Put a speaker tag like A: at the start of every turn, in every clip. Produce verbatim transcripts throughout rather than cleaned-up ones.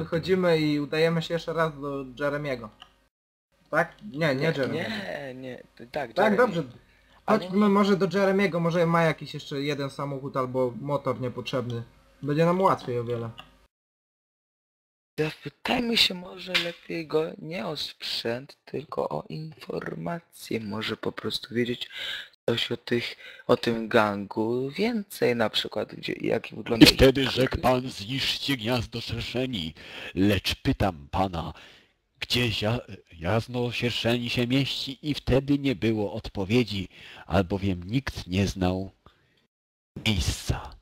A: wychodzimy i udajemy się jeszcze raz do Jeremiego. Tak? Nie, nie Jeremy.
B: Nie, nie, tak,
A: Tak,
B: Jeremy.
A: dobrze.
B: Ale
A: Chodźmy
B: nie-
A: może do Jeremiego, może ma jakiś jeszcze jeden samochód albo motor niepotrzebny. Będzie nam łatwiej o wiele.
B: Zapytajmy się może lepiej go nie o sprzęt, tylko o informacje. Może po prostu wiedzieć coś o tych, o tym gangu więcej, na przykład gdzie, jak wygląda
C: I
B: ich
C: wtedy
B: kariery.
C: rzekł pan, zniszczcie gniazdo szerszeni. Lecz pytam pana, gdzie ja, gniazdo sierszeni się mieści? I wtedy nie było odpowiedzi, albowiem nikt nie znał miejsca.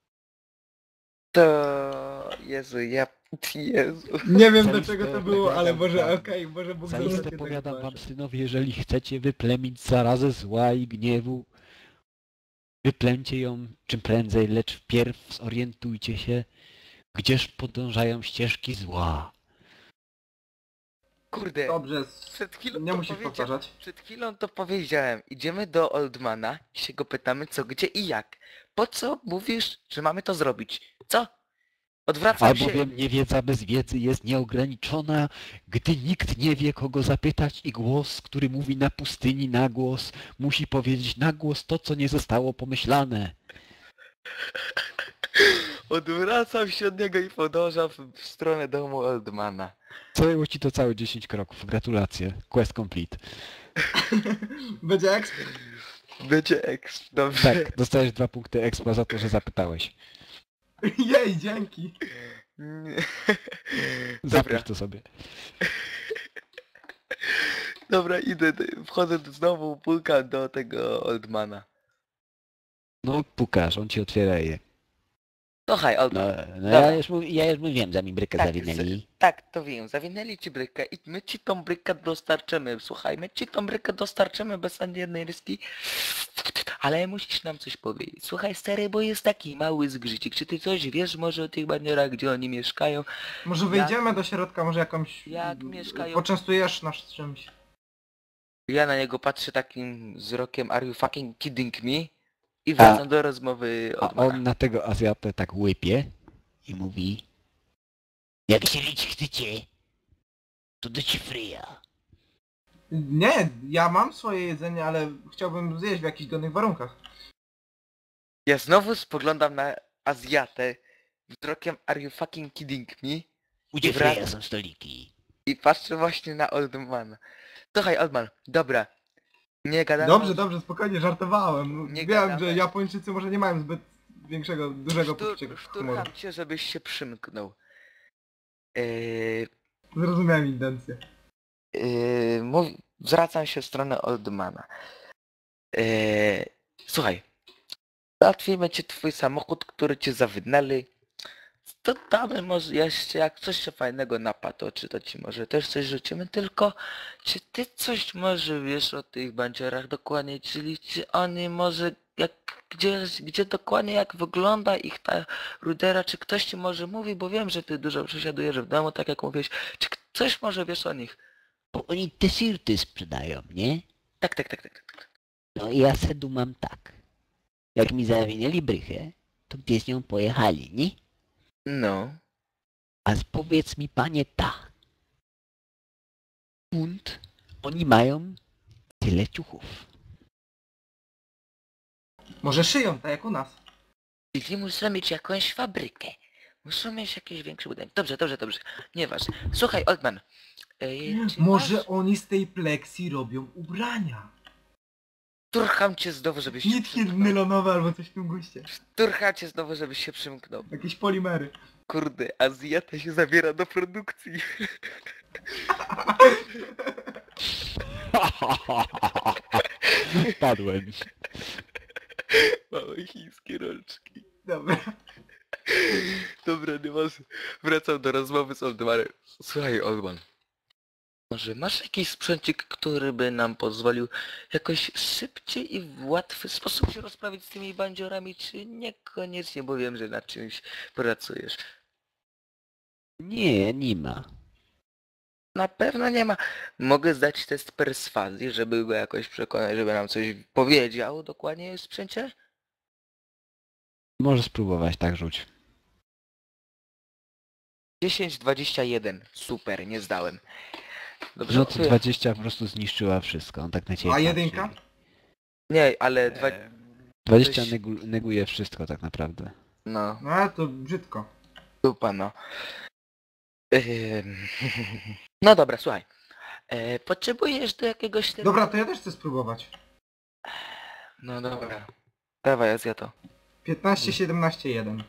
B: To... Jezu, ja... Jezu.
A: Nie wiem do
C: Zaiste
A: czego to było, ale
C: powiadam
A: może
C: wam-
A: okej, może Bóg
C: Zaiste
A: zostanie
C: powiadam
A: tak
C: wam,
A: wasze.
C: synowie, jeżeli chcecie wyplemić zarazę zła i gniewu, wyplęcie ją czym prędzej, lecz wpierw zorientujcie się, gdzież podążają ścieżki zła.
B: Kurde,
A: Dobrze,
B: przed chwilą
A: nie
B: to
A: musisz
B: powiedzia-
A: powtarzać.
B: Przed chwilą to powiedziałem. Idziemy do Oldmana i się go pytamy co, gdzie i jak. Po co mówisz, że mamy to zrobić? Co? Odwracam się...
C: Albowiem niewiedza bez wiedzy jest nieograniczona, gdy nikt nie wie, kogo zapytać i głos, który mówi na pustyni na głos, musi powiedzieć na głos to, co nie zostało pomyślane.
B: Odwracam się od niego i podążam w w stronę domu Oldmana.
C: Zajęło ci to całe dziesięć kroków. Gratulacje. Quest complete.
A: Będzie eksp.
B: Będzie eks... Dobrze.
C: Tak, dostajesz dwa punkty expa za to, że zapytałeś.
A: Jej, dzięki.
B: Nie.
C: Zapisz
B: Dobra,
C: to sobie.
B: dobra, idę, wchodzę do- znowu, pukam do tego Oldmana.
C: No pukasz, on ci otwiera je.
B: Słuchaj,
C: No,
B: Oldman.
C: no
B: Dobra.
C: ja, już, mów- ja już mówiłem, że mi brykę
B: Tak,
C: zawinęli.
B: Tak, to wiem, zawinęli ci brykę i my ci tą brykę dostarczymy. Słuchaj, my ci tą brykę dostarczymy bez ani jednej ryski. Ale musisz nam coś powiedzieć. Słuchaj, stary, bo jest taki mały zgrzycik. Czy ty coś wiesz może o tych banierach, gdzie oni mieszkają?
A: Może wyjdziemy do środka, może jakąś...
B: Jak mieszkają-
A: Poczęstujesz nas czymś.
B: Ja na niego patrzę takim wzrokiem, are you fucking kidding me? I wracam do rozmowy
C: A
B: od Mana.
C: on na tego Azjatę tak łypie i mówi: jak się lić chcecie, to do ci fryja.
A: Nie, ja mam swoje jedzenie, ale chciałbym zjeść w jakichś godnych warunkach.
B: Ja znowu spoglądam na Azjatę wzrokiem, are you fucking kidding me?
C: U
B: I wrac-
C: fryja są stoliki.
B: I patrzę właśnie na Oldmana. Słuchaj, Oldman, dobra. Nie gadamy...
A: Dobrze, dobrze, spokojnie, żartowałem.
B: Nie
A: Wiem,
B: gadamy.
A: że Japończycy może nie mają zbyt większego, dużego
B: Sztur,
A: poczucia humoru.
B: szturcham cię, żebyś się przymknął. Yy,
A: Zrozumiałem intencję.
B: yy, mów, zwracam się w stronę Oldmana. Yy, słuchaj. Załatwimy ci twój samochód, który cię zawinęli. To damy może jeszcze, jak coś się fajnego napadło, czy to ci może też coś rzucimy, tylko czy ty coś może wiesz o tych bandziorach dokładnie, czyli czy oni może, jak, gdzie, gdzie dokładnie jak wygląda ich ta rudera, czy ktoś ci może mówi, bo wiem, że ty dużo przesiadujesz w domu, tak jak mówiłeś, czy coś może wiesz o nich?
D: Bo oni te sirty sprzedają, nie?
B: Tak, tak, tak, tak. tak.
D: No i ja se dumam tak. Jak mi zawinęli brychę, to gdzie z nią pojechali, nie?
B: No.
D: A powiedz mi, panie, tak. Punt, oni mają tyle ciuchów.
A: Może szyją, tak jak u nas.
B: Czyli muszą mieć jakąś fabrykę. Muszą mieć jakiś większy budynek. Dobrze, dobrze, dobrze. Nieważne. Słuchaj, Oldman. Yy, czy
A: Może
B: masz...
A: oni z tej pleksji robią ubrania.
B: Turcham cię znowu, żebyś się
A: Nitki
B: przymknął.
A: nylonowe albo coś w tym guście.
B: Turcham cię znowu, żebyś się przymknął.
A: Jakieś polimery.
B: Kurde, Azjata się zabiera do produkcji.
C: Padłem.
B: Małe chińskie rączki.
A: Dobra.
B: Dobra, nie masz... Wracam do rozmowy z Oldmanem. Słuchaj, Oldman. Może masz jakiś sprzęcik, który by nam pozwolił jakoś szybciej i w łatwy sposób się rozprawić z tymi bandziorami, czy niekoniecznie, bo wiem, że nad czymś pracujesz.
D: Nie, nie ma.
B: Na pewno nie ma. Mogę zdać test perswazji, żeby go jakoś przekonać, żeby nam coś powiedział dokładnie o sprzęcie?
C: Możesz spróbować, tak rzuć.
B: dziesięć dwadzieścia jeden. Super, nie zdałem. Dobrze,
C: No to
B: mówię?
C: dwadzieścia po prostu zniszczyła wszystko, on tak na ciebie
A: A
C: patrzy.
A: jedynka?
B: Nie, ale dwa...
C: dwadzieścia
B: Coś-
C: negu neguje wszystko tak naprawdę.
B: No,
A: No ale to brzydko.
B: dupa no. Ym, No dobra, słuchaj. E, potrzebujesz do jakiegoś... tego-
A: Dobra, to ja też chcę spróbować.
B: No dobra. Dawaj, ja zja to.
A: piętnaście siedemnaście jeden.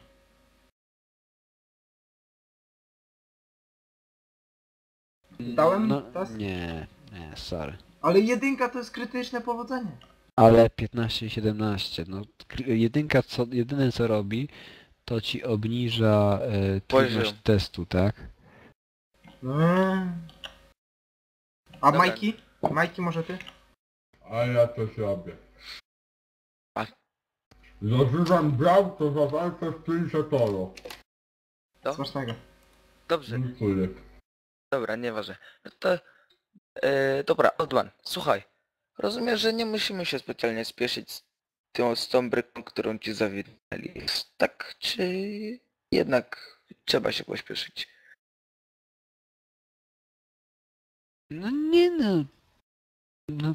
A: Dałem
C: No
A: test?
C: nie, nie, sorry.
A: Ale jedynka to jest krytyczne powodzenie.
C: Ale piętnaście i siedemnaście, no kr- jedynka co, jedyne co robi, to ci obniża e, trudność
B: Poziom.
C: testu, tak?
A: Mm. A
B: Dobra.
A: Majki? Majki może ty?
E: A ja coś robię.
B: A-
E: Zażywam brał, to za walkę w Trinsetoro.
B: No.
A: Smacznego.
B: Dobrze,
E: Dziękuję.
B: dobra, nieważne. No to... E, dobra, Oldman, słuchaj. Rozumiem, że nie musimy się specjalnie spieszyć z tą, z tą bryką, którą ci zawinęli. Tak, czy jednak trzeba się pośpieszyć?
C: No nie no. No,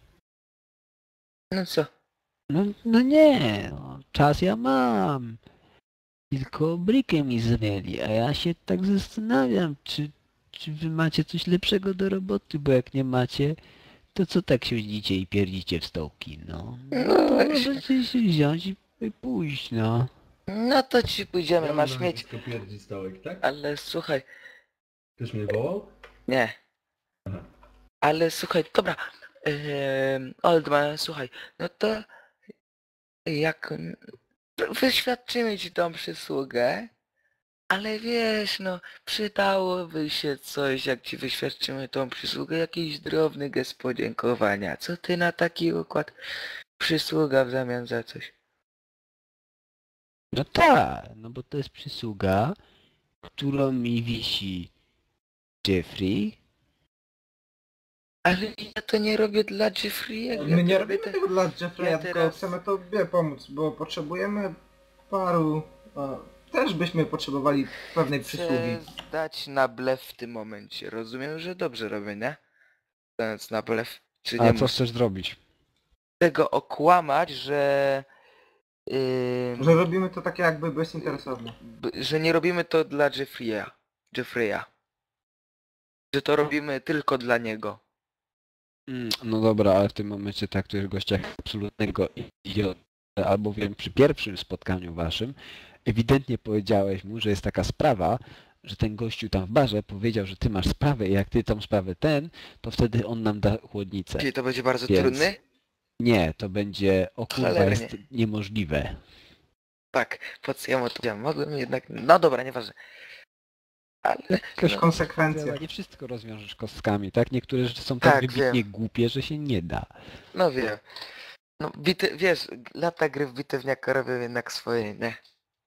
B: No co?
C: no, no nie, no, czas ja mam. Tylko brykę mi zamieli, a ja się tak zastanawiam, czy, czy wy macie coś lepszego do roboty, bo jak nie macie, to co tak siedzicie i pierdzicie w stołki, no.
B: No
C: No to
B: weź.
C: możecie się wziąć i i pójść, no.
B: No to ci pójdziemy,
E: Ja
B: masz
E: mam
B: mieć...
E: nazwisko pierdzi stołek, tak?
B: Ale słuchaj,
E: Ktoś mnie wołał?
B: nie.
E: Aha.
B: Ale słuchaj, dobra. Ehm, Oldman, słuchaj, no to jak wyświadczymy ci tą przysługę, ale wiesz, no przydałoby się coś, jak ci wyświadczymy tą przysługę, jakiś drobny gest podziękowania. Co ty na taki układ? Przysługa w zamian za coś.
C: No tak, no bo to jest przysługa, którą mi wisi Jeffrey.
B: Ale ja to nie robię dla Jeffrey'ego.
A: My nie
B: ja to
A: robimy
B: te-
A: tego dla Jeffreya,
B: ja
A: tylko
B: teraz-
A: chcemy tobie pomóc, bo potrzebujemy paru... O, też byśmy potrzebowali pewnej przysługi.
B: Chcę zdać na blef w tym momencie. Rozumiem, że dobrze robię, nie? Zdając na blef. Czy nie
C: A co
B: muszę
C: chcesz zrobić?
B: tego okłamać, że... Yy,
A: Że robimy to takie jakby bezinteresownie.
B: b- że nie robimy to dla Jeffreya. Jeffreya. Że to robimy tylko dla niego.
C: Mm, No dobra, ale w tym momencie traktujesz gościa jak absolutnego idiotę, albowiem przy pierwszym spotkaniu waszym ewidentnie powiedziałeś mu, że jest taka sprawa, że ten gościu tam w barze powiedział, że ty masz sprawę i jak ty tą sprawę ten, to wtedy on nam da chłodnicę.
B: Czyli to będzie bardzo
C: Więc-
B: trudny?
C: Nie, to będzie, o kurwa,
B: Cholernie.
C: jest niemożliwe.
B: Tak, po co ja mu to powiedziałem? Mogłem jednak... No dobra, nieważne. Ale...
C: Jakaś
B: No.
A: Konsekwencje.
C: Nie wszystko rozwiążesz kostkami, tak? Niektóre rzeczy są tak,
B: Tak,
C: wybitnie
B: wiem.
C: głupie, że się nie da.
B: No wiem. No bite, wiesz, lata gry w bitewniaka robią jednak swoje, nie?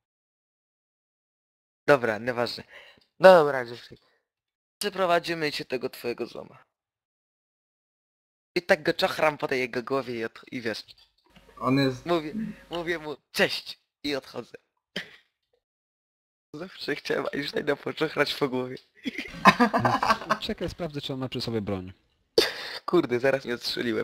B: Dobra, nieważne. No dobra, Jeffrey. Przeprowadzimy cię tego twojego złoma. I tak go czochram po tej jego głowie i, od... i wiesz,
A: On jest...
B: mówię, mówię mu cześć i odchodzę. Zawsze chciałem Einsteina poczochrać po głowie.
C: Więc czekaj, sprawdzę, czy on ma przy sobie broń.
B: Kurde, zaraz nie odstrzeliłem.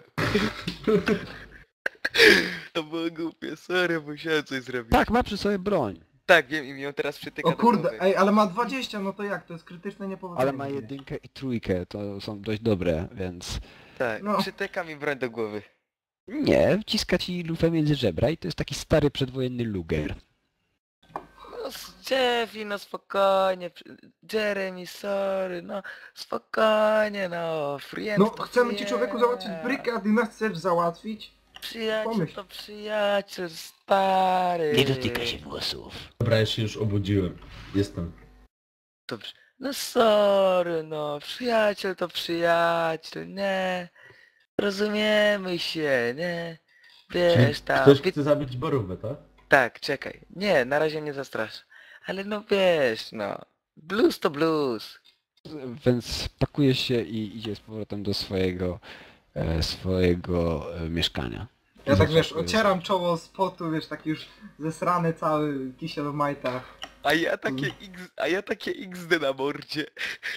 B: To było głupie, sorry, musiałem coś zrobić.
C: Tak, ma przy sobie broń.
B: Tak, wiem i mi ją teraz przytyka
A: O
B: do
A: kurde,
B: głowy.
A: ej, ale ma dwadzieścia, no to jak? To jest krytyczne niepowodzenie.
C: Ale ma jedynkę i trójkę, to są dość dobre, więc...
B: Tak,
A: No.
B: przytyka mi broń do głowy.
C: Nie, wciska ci lufę między żebra i to jest taki stary przedwojenny luger.
B: No s- Jeffy, no spokojnie. przy- Jeremy, sorry, no spokojnie, no. Friend
A: No
B: to
A: chcemy ci
B: friend.
A: człowieku załatwić brykę, a ty nas chcesz załatwić?
B: Przyjaciel
A: Pomyśl.
B: to przyjaciel, stary.
D: Nie dotyka się włosów.
E: Dobra, ja się już obudziłem. Jestem.
B: Dobrze. No sorry, no. Przyjaciel to przyjaciel, nie. Rozumiemy się, nie. Wiesz, tam...
E: Ktoś
B: wi-
E: chce zabić Borówę, tak?
B: Tak, czekaj. Nie, na razie nie zastraszę. Ale no wiesz, no. Blues to blues.
C: Więc pakuje się i idzie z powrotem do swojego, e, swojego e, mieszkania.
A: Ja tak wiesz,
C: Zaskakuje-
A: ocieram czoło z potu, wiesz, taki już zesrany cały kisiel w majtach.
B: A ja takie X, a ja takie X D na mordzie.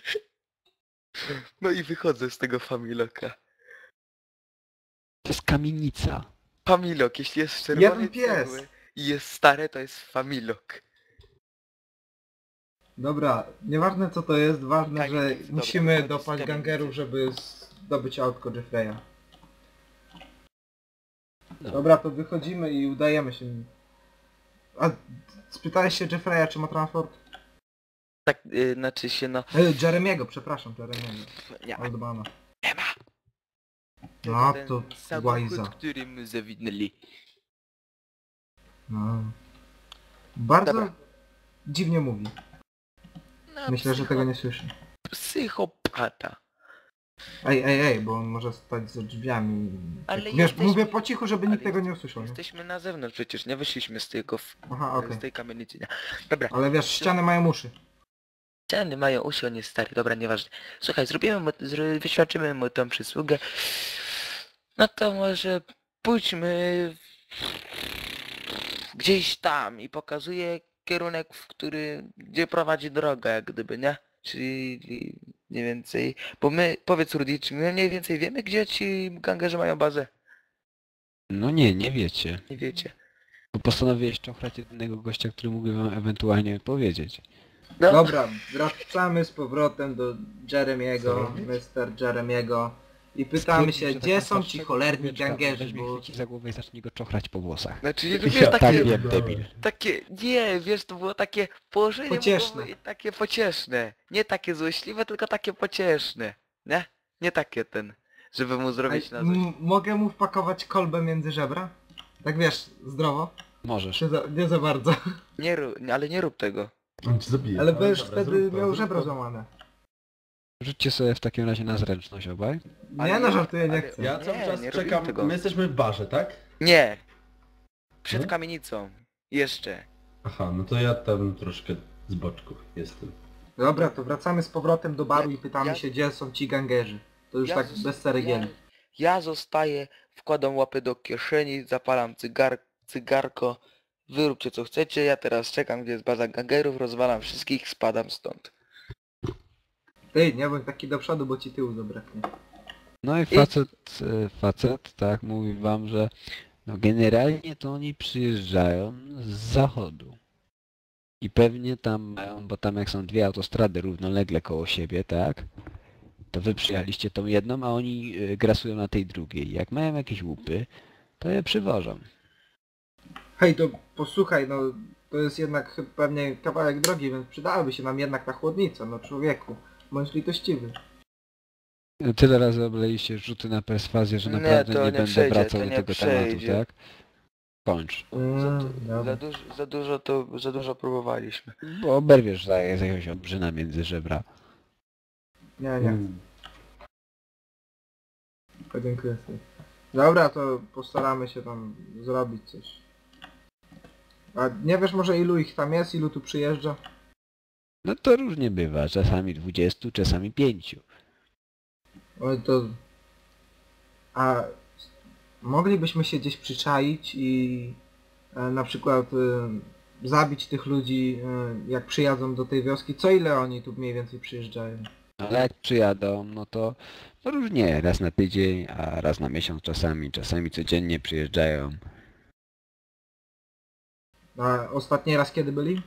B: No i wychodzę z tego Familoka.
C: To jest kamienica.
B: Familok, jeśli jest z czerwonej
A: Jeden pies.
B: cegły i jest stare, to jest Familok.
A: Dobra, nieważne co to jest, ważne,
B: Kamień
A: że
B: jest dobry,
A: musimy
B: wychodzi z
A: dopaść
B: kamienicy.
A: gangerów, żeby zdobyć autko Jeffreya.
C: No.
A: Dobra, to wychodzimy i udajemy się. A spytałeś się Jeffreya, czy ma transport?
B: Tak, yy, znaczy się no...
A: E, Jeremiego, przepraszam, Jeremiego.
B: Nie ma,
A: Oldmana.
B: nie ma.
A: No
B: ten
A: to
B: samochód,
A: łajza.
B: który my zawinęli.
A: No. Bardzo
B: Dobra.
A: dziwnie mówi.
B: No,
A: Myślę, że
B: psycho-
A: tego nie słyszy.
B: Psychopata.
A: Ej, ej, ej, bo on może stać za drzwiami.
B: Ale
A: Wiesz,
B: jesteśmy-
A: mówię po cichu, żeby nikt
B: Ale
A: tego nie
B: jeste-
A: usłyszał, nie?
B: Jesteśmy na zewnątrz przecież, nie wyszliśmy z tego, f-
A: Aha, okej.
B: z tej kamienicy, nie? Dobra,
A: Ale wiesz, ściany mają uszy.
B: ściany mają uszy, on jest stary, dobra, nieważne. Słuchaj, zrobimy mu, zro, wyświadczymy mu tą przysługę. No to może pójdźmy gdzieś tam i pokazuję kierunek, w który, gdzie prowadzi droga, jak gdyby, nie? Czyli mniej więcej, bo my, powiedz Rudy, czy my mniej więcej wiemy, gdzie ci gangerzy mają bazę?
C: No nie, nie wiecie.
B: Nie wiecie.
C: Bo postanowiłeś czochrać jedynego gościa, który mógłby wam ewentualnie powiedzieć.
B: No,
A: Dobra, wracamy z powrotem do Jeremiego,
E: Co robić?
A: mister Jeremiego i pytamy
C: Stwierdził,
A: się,
C: że
A: gdzie
C: taką
A: są ci
C: starszego
A: cholerni
C: człowieczka
A: gangerzy,
C: weźmie,
A: bo...
C: chwyci za głowę i zacznie go czochrać po włosach.
B: znaczy, wiesz,
E: Ja
B: takie,
C: Tak
E: pierdolę.
C: wiem, debil.
B: takie, nie, wiesz, to było takie położenie
A: Pocieszne.
B: było takie pocieszne. Nie takie złośliwe, tylko takie pocieszne. Nie? Nie takie ten, żeby mu
A: Ej,
B: zrobić na złość.
A: m- mogę mu wpakować kolbę między żebra? Tak wiesz, zdrowo?
C: Możesz.
A: Czy za, nie za bardzo?
B: Nie rób, nie, ale nie rób tego.
E: On cię zabije.
A: Ale będziesz
E: dobra,
A: wtedy
E: zrób to,
A: miał
E: zrób
A: żebro
E: to.
A: złamane.
C: Rzućcie sobie w takim razie na zręczność obaj.
B: Ale
A: Nie no,
B: nie-
A: żartuję, nie
B: ale-
A: chcę.
E: Ja cały
B: Nie,
E: czas
B: nie robimy
E: czekam,
B: tego.
E: my jesteśmy w barze, tak?
B: Nie! Przed
E: Nie?
B: kamienicą. Jeszcze.
E: Aha, no to ja tam troszkę z boczku jestem.
A: Dobra, to wracamy z powrotem do baru
B: Ja-
A: i pytamy
B: ja-
A: się, gdzie są ci gangerzy. To już
B: Ja
A: tak
B: zos-
A: bez ceregieli.
B: Ja, ja zostaję, wkładam łapy do kieszeni, zapalam cygar, cygarko. Wy róbcie co chcecie, ja teraz czekam, gdzie jest baza gangerów, rozwalam wszystkich, spadam stąd.
A: Ty, nie bądź taki do przodu, bo ci tyłu zabraknie.
C: No i facet, e, facet, tak, mówi wam, że no generalnie to oni przyjeżdżają z zachodu. I pewnie tam mają, bo tam jak są dwie autostrady równolegle koło siebie, tak? To wy przyjechaliście tą jedną, a oni e, grasują na tej drugiej. Jak mają jakieś łupy, to je przywożą.
A: Hej, to posłuchaj, no to jest jednak pewnie kawałek drogi, więc przydałaby się nam jednak ta chłodnica, no człowieku. Bądź litościwy.
C: Tyle razy obleliście rzuty na perswazję, że
B: Nie,
C: naprawdę
B: to
C: nie,
B: nie
C: będę
B: przejdzie,
C: wracał
B: to
C: do
B: nie
C: tego
B: przejdzie.
C: tematu, tak? Kończ.
B: Za,
A: Mm,
B: du-
A: dobra.
B: za, dużo, za dużo to, za dużo próbowaliśmy.
C: Bo oberwiesz za, za jakiegoś obrzyna między żebra.
A: Nie, nie,
E: Mm.
A: podziękuję sobie. Dobra, to postaramy się tam zrobić coś. A nie wiesz może ilu ich tam jest, ilu tu przyjeżdża?
C: No to różnie bywa, czasami dwudziestu, czasami pięciu.
A: Oj, to... A moglibyśmy się gdzieś przyczaić i e, na przykład e, zabić tych ludzi, e, jak przyjadą do tej wioski? Co ile oni tu mniej więcej przyjeżdżają?
C: Ale jak przyjadą, no to no różnie, raz na tydzień, a raz na miesiąc czasami, czasami codziennie przyjeżdżają.
A: A ostatni raz kiedy byli?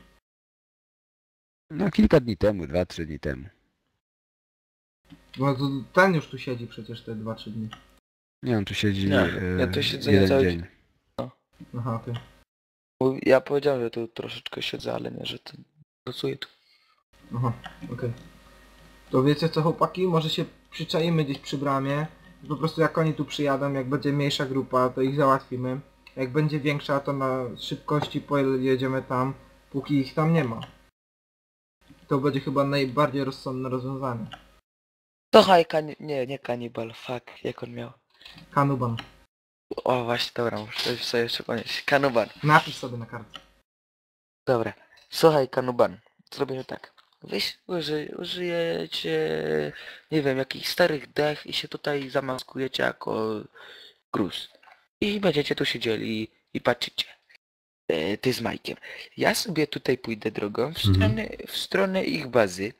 C: No kilka dni temu, dwa, trzy dni temu.
A: No to ten już tu siedzi przecież te dwa trzy dni.
C: Nie, on tu siedzi
B: Nie,
C: e,
B: ja tu siedzę
C: jeden
B: cały
C: dzień.
A: Aha, okej.
B: Bo ja powiedziałem, że tu troszeczkę siedzę, ale nie, że to pracuję tu.
A: Aha, okej. To wiecie co chłopaki? Może się przyczaimy gdzieś przy bramie. Po prostu jak oni tu przyjadą, jak będzie mniejsza grupa, to ich załatwimy. Jak będzie większa, to na szybkości pojedziemy tam, póki ich tam nie ma. To będzie chyba najbardziej rozsądne rozwiązanie.
B: Słuchaj, kani... nie, nie kanibal, fuck, jak on miał.
A: Kanuban.
B: O właśnie, dobra, muszę sobie jeszcze ponieść. Kanuban.
A: Napisz sobie na kartce.
B: Dobra. Słuchaj, Kanuban. Zrobimy tak. Weź, uży, użyjecie, nie wiem, jakichś starych dech i się tutaj zamaskujecie jako gruz. I będziecie tu siedzieli i patrzycie. e, ty z Majkiem. Ja sobie tutaj pójdę drogą w
E: Mhm.
B: stronę, w stronę ich bazy.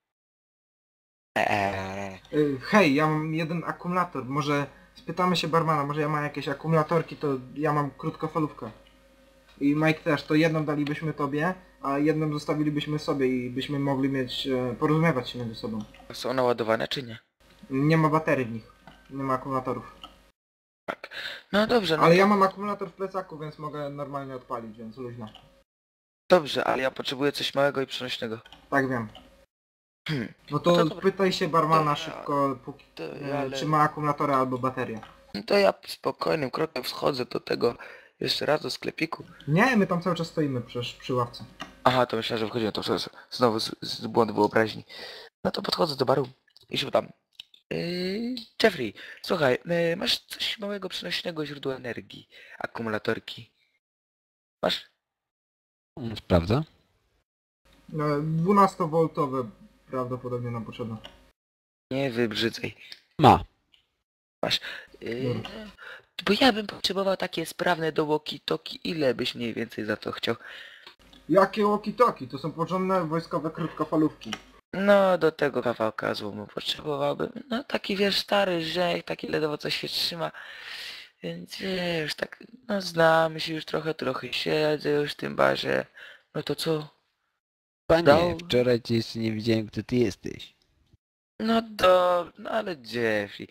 B: Eee,
A: Y, Hej, ja mam jeden akumulator, może spytamy się barmana, może ja mam jakieś akumulatorki, to ja mam krótkofalówkę. I Mike też, to jedną dalibyśmy tobie, a jedną zostawilibyśmy sobie i byśmy mogli mieć, e, porozumiewać się między sobą.
B: są naładowane czy nie?
A: Nie ma baterii w nich, nie ma akumulatorów.
B: Tak. No dobrze, no
A: Ale
B: to,
A: ja mam akumulator w plecaku, więc mogę normalnie odpalić, więc luźno.
B: dobrze, ale ja potrzebuję coś małego i przenośnego.
A: Tak wiem.
B: Hmm.
A: No
B: No
A: to,
B: to dobra.
A: pytaj się barmana
B: Dobra.
A: szybko, póki,
B: To
A: e,
B: ja, ale...
A: czy ma akumulatora albo baterię.
B: no to ja spokojnym krokiem wchodzę do tego jeszcze raz do sklepiku.
A: Nie, my tam cały czas stoimy przy, przy ławce.
B: Aha, to myślałem, że wchodziłem to przez, znowu z, z błąd wyobraźni. No to podchodzę do baru i się pytam. Yy, Jeffrey, słuchaj, yy, masz coś małego przenośnego źródła energii, akumulatorki? Masz?
C: Mm, Sprawdza.
A: No, dwunastowoltowe prawdopodobnie nam potrzeba.
B: Nie wybrzydzaj.
C: Ma.
B: Yy,
A: Dobra.
B: bo ja bym potrzebował takie sprawne do walkie-talkie. Ile byś mniej więcej za to chciał?
A: Jakie walkie-talkie? To są porządne wojskowe krótkofalówki.
B: No, do tego kawałka złomu potrzebowałbym. No, taki wiesz, stary rzek, taki ledwo coś się trzyma. Więc wiesz, tak, no znamy się już trochę, trochę siedzę już w tym barze. No to co?
C: Panie,
B: Dał-
C: wczoraj cię jeszcze nie widziałem, kto ty jesteś.
B: No dobrze, no ale Jeffrey.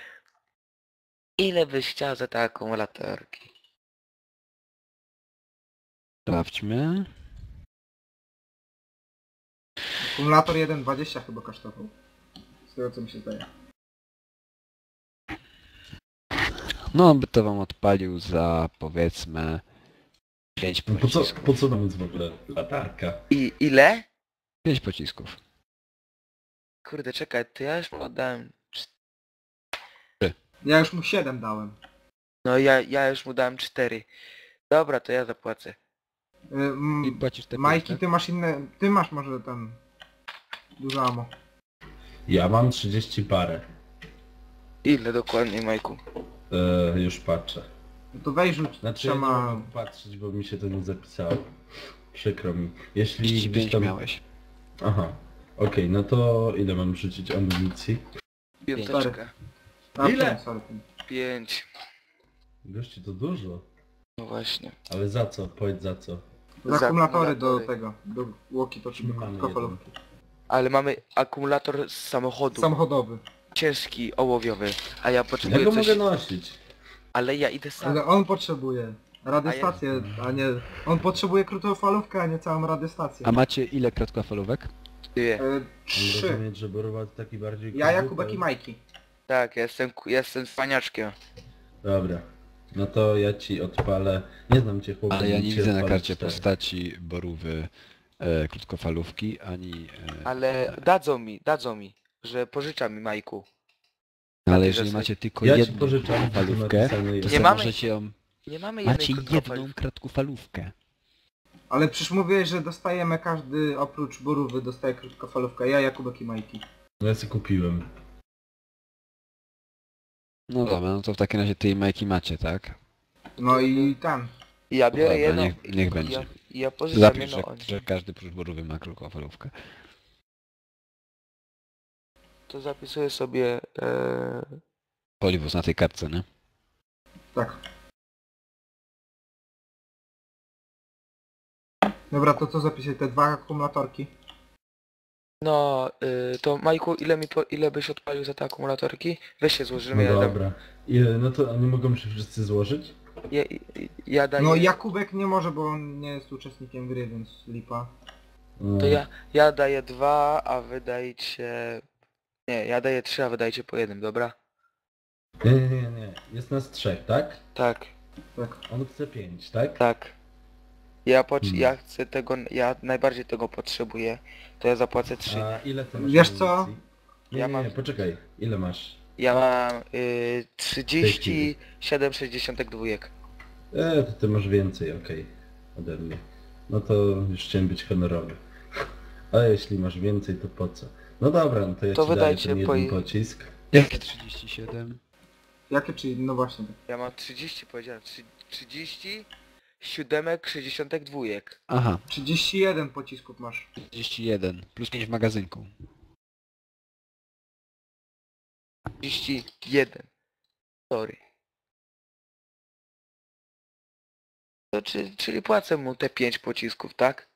B: Ile byś chciał za te akumulatorki?
C: Sprawdźmy.
A: Akumulator jeden dwadzieścia chyba kosztował. Z tego co mi się zdaje.
C: No, on by to wam odpalił za, powiedzmy, pięć
E: No po co,
C: pocisków.
E: po co nam jest w ogóle latarka?
B: I ile?
C: pięć pocisków.
B: Kurde, czekaj, to ja już podałem...
A: Ja już mu siedem dałem.
B: No ja, ja już mu dałem cztery. Dobra, to ja zapłacę.
A: Y, m-
C: I płacisz te
A: Majki,
C: pięć,
A: ty masz inne... Ty masz może ten... Dużo amo.
E: Ja mam trzydzieści parę.
B: Ile dokładnie, Majku?
E: E, już patrzę.
A: No to weź rzuć
E: Znaczy ja nie
A: trzema...
E: mogę patrzeć, bo mi się to nie zapisało. Przykro mi.
C: tak?
E: Jeśli
C: trzydzieści
E: gdzieś
C: pięć
E: tam...
C: miałeś.
E: Aha. Okej, no to ile mam rzucić amunicji?
B: Piąteczkę.
A: A,
E: Ile?
A: pięć, sorry, pięć.
B: Pięć.
E: Gości, to dużo.
B: No właśnie.
E: Ale za co? Powiedz za co.
A: Za
B: Za
A: akumulatory do
B: akumulatory.
A: tego. Do walkie-talkie, do
E: Mamy
A: krótkofalówki.
B: Ale mamy akumulator z samochodu.
A: Samochodowy.
B: Ciężki, ołowiowy. A ja
E: Ja
B: potrzebuję
E: go
B: coś...
E: mogę nosić.
B: Ale ja idę sam.
A: Ale on potrzebuje radiostację, a nie... On potrzebuje krótkofalówkę, a nie całą radiostację.
C: A macie ile krótkofalówek?
B: Dwie.
A: E,
E: Mam
A: trzy.
E: rozumieć, że Borowa to taki bardziej...
A: Ja,
E: kurde,
A: Jakubek i Majki.
B: Tak, ja jestem, ku- ja jestem cwaniaczkiem.
E: Dobra. No to ja ci odpalę... Nie znam cię chłopie.
C: Ale ja nie
E: ci
C: widzę na
E: odpalę
C: karcie
E: cztery.
C: postaci Borówy e, krótkofalówki, ani... E,
B: Ale dadzą mi, dadzą mi, że pożycza mi Majku.
C: ale
B: ty
C: jeżeli
B: że-
C: macie tylko
E: Ja ci
C: jedną
E: pożyczam,
C: krótkofalówkę,
E: napisane
C: to
E: jest.
C: sobie
B: mamy-
C: możecie ją...
B: Nie mamy
C: Macie
B: jednej krótkofalówki.
C: jedną krótkofalówkę.
A: Ale przecież mówiłeś, że dostajemy każdy oprócz Borówy dostaje krótkofalówkę. Ja, Jakubek i Majki.
E: No ja sobie kupiłem.
C: No dobra, no to w takim razie ty i Majki macie, tak?
A: No i tam.
B: Ja biorę
C: Dobra,
B: jedną.
C: niech- niech
B: i-
C: będzie.
B: Ja, ja pożyczam
C: Zapisz,
B: jedną
C: że,
B: od
C: że każdy prócz Borówy ma krótkofalówkę.
B: To zapisuję sobie... E...
C: Poliwus na tej kartce, nie?
A: Tak. Dobra, to co zapisać? Te dwa akumulatorki?
B: No, y, to Majku, ile mi po, ile byś odpalił za te akumulatorki? Weź się złożymy,
E: No
B: ja dam...
E: dobra. Ile? No to a nie mogą się wszyscy złożyć?
B: Ja, ja daję...
A: No Jakubek nie może, bo on nie jest uczestnikiem gry, więc lipa.
E: No.
B: To ja, ja daję dwa, a wy dajcie... Nie, ja daję trzy, a wy dajcie po jednym, dobra?
E: Nie, nie, nie, nie. Jest nas trzech, tak?
B: Tak,
A: Tak.
E: On chce pięć, tak?
B: tak. Ja, potrz-
E: Hmm.
B: ja chcę tego, ja najbardziej tego potrzebuję, to ja zapłacę trzy.
E: A ile ty masz
A: Wiesz co?
E: amunicji? Nie,
B: Ja
E: nie,
B: mam-
E: nie, poczekaj. Ile masz?
B: Ja mam y, trzydzieści siedem sześćdziesiąt dwa.
E: E, to ty masz więcej, okej. Ode mnie. No to już chciałem być honorowy. A jeśli masz więcej, to po co? No dobra, no to ja
B: To
E: ci daję
B: wydajcie
E: ten
B: po
E: jeden
B: i-
E: pocisk.
C: Jakie trzydzieści siedem?
A: Jakie czyli? No właśnie. Tak.
B: Ja mam trzydzieści, powiedziałem, trzy- trzydzieści siódemek, sześćdziesiątek dwójek.
C: Aha,
A: trzydzieści jeden pocisków masz.
C: trzydzieści jeden plus pięć w magazynku.
B: trzydzieści jeden. Sorry. To czy, czyli płacę mu te pięć pocisków, tak?